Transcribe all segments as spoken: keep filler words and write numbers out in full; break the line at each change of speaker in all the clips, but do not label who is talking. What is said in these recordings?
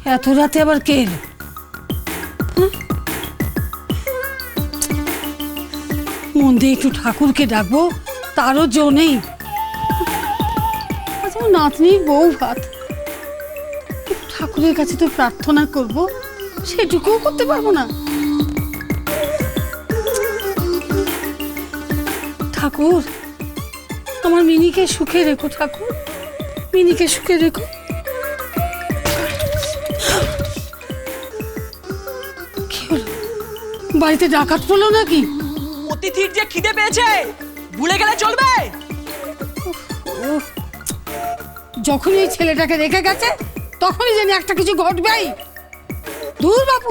এত রাতে আবার কে এলো? মন দিয়ে একটু ঠাকুরকে ডাকবো, তারও জো নেই। আচ্ছা, নাতনির বউ ভাত, ঠাকুরের কাছে তো প্রার্থনা করব, সেটুকুও করতে পারবো না। ঠাকুর, আমার মিনিকে সুখে রেখো ঠাকুর, মিনিকে সুখে রেখো। কি হলো, বাড়িতে ডাকাত পড়লো নাকি?
অতিথির যে খিদে পেয়েছে, ভুলে গেলে চলবে?
যখনই এই ছেলেটাকে রেখে গেছে তখনই জানি একটা কিছু ঘটবেই। দূর বাপু।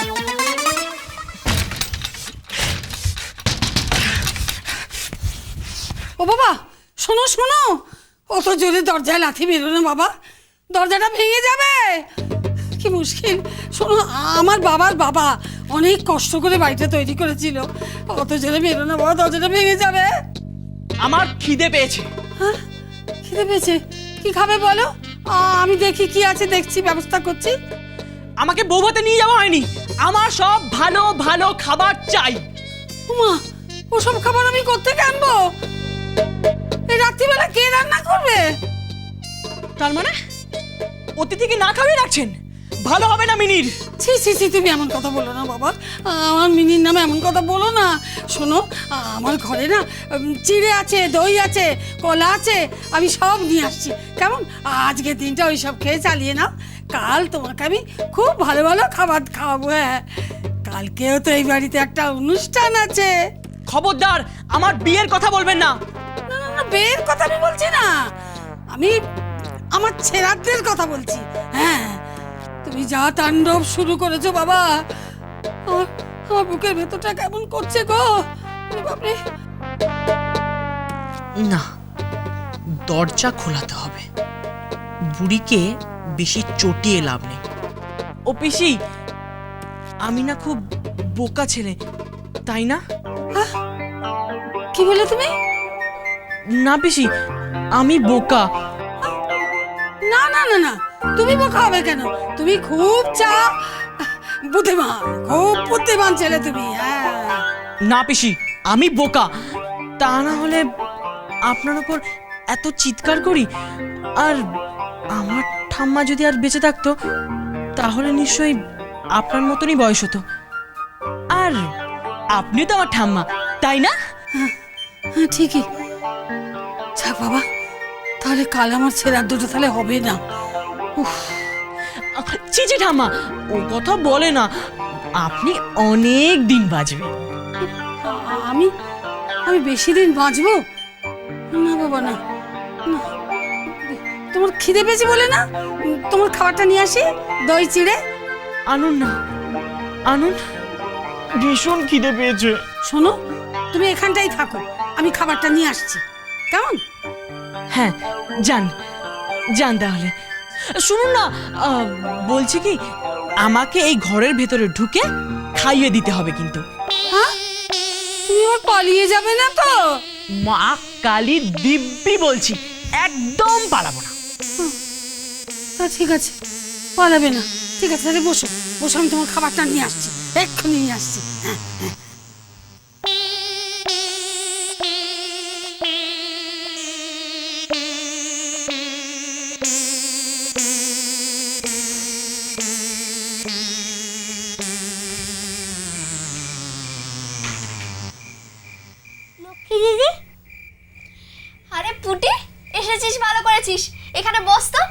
ও বাবা, শোনো শোনো, অত জোরে দরজায় লাথি মেরো না বাবা, দরজাটা ভেঙে যাবে। কি মুশকিল। শোনো, আমার বাবার বাবা অনেক কষ্ট করে বাড়িটা তৈরি করেছিল, অত জোরে মেরো না বাবা, দরজাটা ভেঙে যাবে।
আমার খিদে পেয়েছে।
হ্যাঁ, খিদে পেয়েছে? কি খাবে বলো, আমি দেখি কি আছে, দেখছি, ব্যবস্থা করছি।
আমাকে বউ ভাতে নিয়ে যাওয়া হয়নি, আমার সব ভালো ভালো খাবার চাই।
উমা, ওসব খাবার আমি কোত্থেকে আনবো? এই রাত্রিবেলা কে রান্না করবে?
তার মানে অতিথিকে না খাওয়াই রাখছেন? ভালো হবে না মিনির।
ছি ছি ছি, তুমি এমন কথা বলো না বাবা, আমার মিনির নামে এমন কথা বলো না। শোনো, আমার ঘরে না চিড়ে আছে, দই আছে, কলা আছে, আমি সব নিয়ে আসছি। কেমন, আজকের দিনটা ওই সব খেয়ে চালিয়ে নাও, কাল তোমাকে আমি খুব ভালো ভালো খাবার খাওয়াবো। হ্যাঁ, কালকেও তো এই বাড়িতে একটা অনুষ্ঠান আছে।
খবরদার আমার বিয়ের কথা বলবেন না।
না না না, বিয়ের কথা আমি বলছি না, আমি আমার ছেড়াদের কথা বলছি। হ্যাঁ, তুমি যা তাণ্ডব শুরু করেছো বাবা, আমার আমার বুকের ভেতরটা কেমন করছে গো। বাপরে,
না, দরজা খোলাতে হবে, বুড়িকে বেশি চটিয়ে লাভ নেই। ও পিসি, আমি না খুব বোকা ছেলে, তাই না?
কি বলে তুমি?
না পিসি, আমি বোকা।
না না না না, তুমি বোকা হবে কেন? তুমি খুব চা বুদ্ধিমান, খুব বুদ্ধিমান ছেলে তুমি। হ্যাঁ,
না পিসি, আমি বোকা, তা না হলে আপনার উপর এত চিৎকার করি। আর আমার ঠাম্মা যদি আর বেঁচে থাকতো তাহলে নিশ্চয়ই আপনার মতনই বয়স হতো। আর আপনি তো আমার ঠাম্মা, তাই না?
হ্যাঁ ঠিকই। যাক বাবা, তাহলে কাল আমার ছেড়ার দুটো তাহলে হবে না। উফ,
ছি ছি ঠাম্মা, ও কথা বলে না, আপনি অনেক দিন বাঁচবেন।
আমি আমি বেশি দিন বাঁচবো না বাবা, না না। তোমার খিদে পেয়েছে বলে না, তোমার খাবারটা নিয়ে আসি, দই চিড়ে।
আনুন না, আনুন, ভীষণ খিদে পেয়েছে।
শোনো, তুমি এখানটাই থাকো, আমি খাবারটা নিয়ে আসছি, কেমন?
হ্যাঁ, যান যান তাহলে। শুনুন না, আহ, বলছি কি, আমাকে এই ঘরের ভেতরে ঢুকে খাইয়ে দিতে হবে কিন্তু।
হ্যাঁ, তুমি আবার পালিয়ে যাবে না তো?
মা কালী দিব্যি বলছি, একদম পালাবো না।
তা ঠিক আছে, পালাবে না, ঠিক আছে, তাহলে বসো বসো, আমি তোমার খাবারটা নিয়ে আসছি, এক্ষুনি নিয়ে আসছি। হ্যাঁ হ্যাঁ।
লক্ষ্মী দিদি, আরে পুটি, এসেছিস, ভালো করেছিস, এখানে বস তো।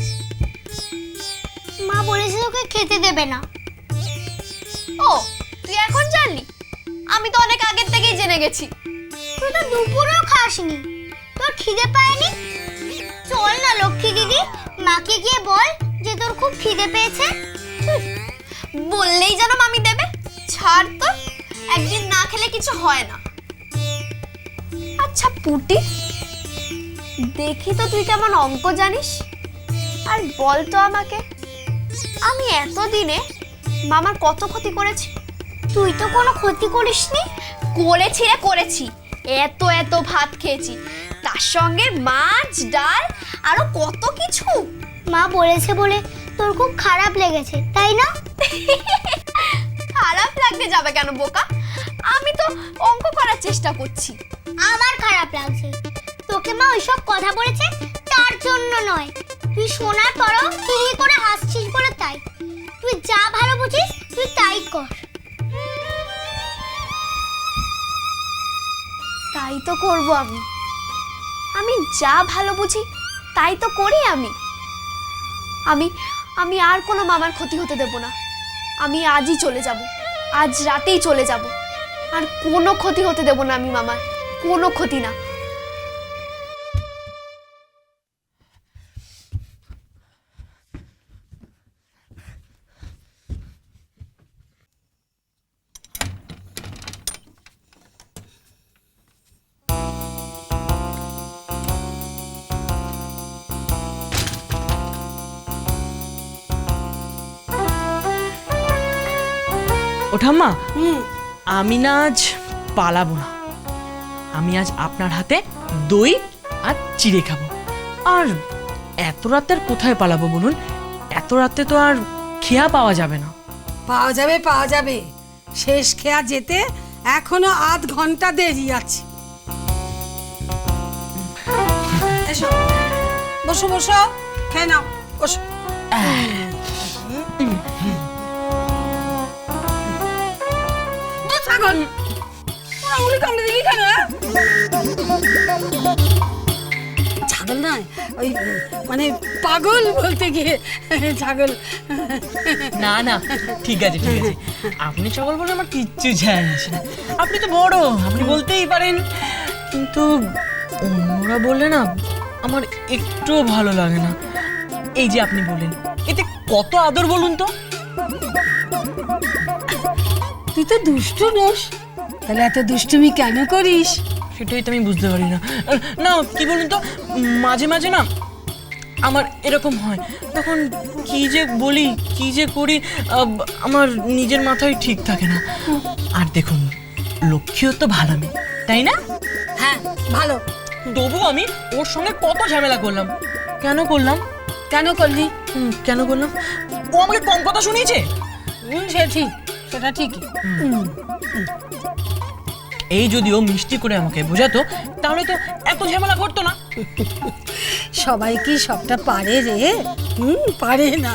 মা বলেছে তোকে খেতে দেবে না।
ও, তুই এখন জানলি? আমি তো অনেক আগের থেকেই জেনে গেছি।
তুই তো দুপুরেও খাসনি, তোর খিদে পায়নি? চল না লক্ষ্মী দিদি, মাকে গিয়ে বল যে তোর খুব খিদে পেয়েছে।
বললেই যেন মামি দেবে, ছাড় তো, একদিন না খেলে কিছু হয় না। আচ্ছা পুটি, দেখি তো তুই কেমন অঙ্ক জানিস, আর বল তো আমাকে, আমি এতদিনে মামার কত ক্ষতি করেছি?
তুই তো কোনো ক্ষতি করিসনি।
করেছি রে, করেছি, এত এত ভাত খেয়েছি, তার সঙ্গে মাছ, ডাল, আরো কত কিছু।
মা বলেছে বলে তোর খুব খারাপ লেগেছে তাই না?
খারাপ লাগতে যাবে কেন বোকা? আমি তো অঙ্ক করার চেষ্টা করছি।
আমার খারাপ লাগছে। তোকে মা ওইসব কথা বলেছে তার জন্য নয়, তুই শোনার পরও কি করে হাসছিস বলে তাই। তুই যা ভালো বুঝিস তুই তাই কর।
তাই তো করব আমি। আমি যা ভালো বুঝি তাই তো করি আমি। আমি আমি আর কোনো মামার ক্ষতি হতে দেব না। আমি আজই চলে যাব, আজ রাতেই চলে যাব। আর কোনো ক্ষতি হতে দেব না আমি মামার, কোনো ক্ষতি না।
ও ঠাম্মা,
হুম
আমি না আজ পালাবো না। আমি আজ আপনার হাতে দই আর চিড়ে খাবো। আর এত রাতে আর কোথায় পালাবো বলুন? এত রাতে তো আর খেয়া পাওয়া যাবে না।
পাওয়া যাবে পাওয়া যাবে, শেষ খেয়া যেতে এখনো আধ ঘন্টা দেরি আছে। এসো, বসো বসো, খেয়ে নাও, বসো। দুধ ছাগল, ওর আঙুলে কামড়ে দিলি কেন? হ্যাঁ? ছাগল নয়, ওই মানে পাগল বলতে গিয়ে ছাগল।
না না, ঠিক আছে ঠিক আছে, আপনি সকল বলে আমার কিচ্ছু যায় আসে না। আপনি তো বড়, আপনি বলতেই পারেন। কিন্তু অন্যরা বললে না আমার একটুও ভালো লাগে না। এই যে আপনি বললেন, এতে কত আদর বলুন তো।
তুই তো দুষ্টু নোস, তাহলে এত দুষ্টুমি কেন করিস?
সেটাই তো আমি বুঝতে পারি না। না কি বলুন তো, মাঝে মাঝে না আমার এরকম হয়, তখন কি যে বলি কি যে করি আমার নিজের মাথায় ঠিক থাকে না। আর দেখুন, লক্ষ্মীও তো ভালো মেয়ে, তাই না?
হ্যাঁ ভালো।
তবু আমি ওর সঙ্গে কত ঝামেলা করলাম। কেন করলাম?
কেন করলি?
হুম, কেন করলাম? ও আমাকে কম কথা শুনিয়েছে।
হুম, সে ঠিক, সেটা ঠিকই। হুম।
এই যদি ও মিষ্টি করে আমাকে বোঝাতো তাহলে তো এত ঝামেলা করতো না।
সবাই কি সবটা পারে রে? হুম, পারে না।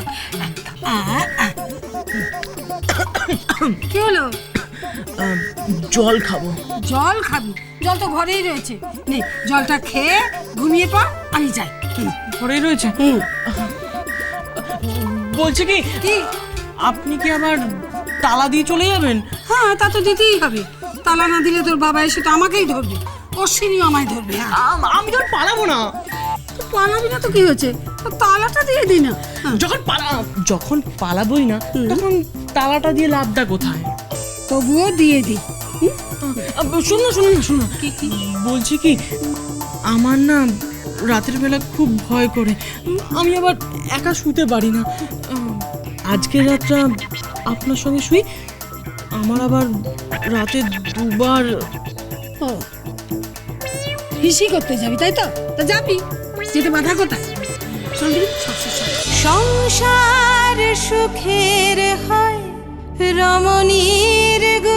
কি হলো?
আহ, জল খাবো।
জল খাবি? জল তো ঘরেই রয়েছে, নে জলটা খেয়ে ঘুমিয়ে পড়, আমি যাই। হুম,
ঘরেই রয়েছে।
হুম।
বলছে কি,
কি?
আপনি কি আবার তালা দিয়ে চলে যাবেন?
হ্যাঁ, তা তো দিতেই হবে। তালা না দিলে তোর বাবা এসে তো আমাকেই ধরবে, অশ্বিনীও আমায় ধরবে। হ্যাঁ,
আম- আমি তো আর পালাবো না।
তুই পালাবি না তো কি হয়েছে? তোর তালাটা দিয়ে দি না। হ্যাঁ,
যখন পালা যখন পালাবোই না তখন তালাটা দিয়ে লাভটা কোথায়?
তবুও দিয়ে দি।
আহ, শুনুন শুনুন না শুনুন, বলছি কি, আমার না রাতের বেলা খুব ভয় করে। আমি আবার একা শুতে পারি না। আহ, আজকের রাতটা আপনার সঙ্গে শুই। আমার আবার রাতে দুবার
ও, হিসি করতে যাবি তাই তো? তা যাবি, যেতে বাধা কোথায়? চল দিবি, সব শেষ হবে।
সংসার সুখের হয় রমণীর গো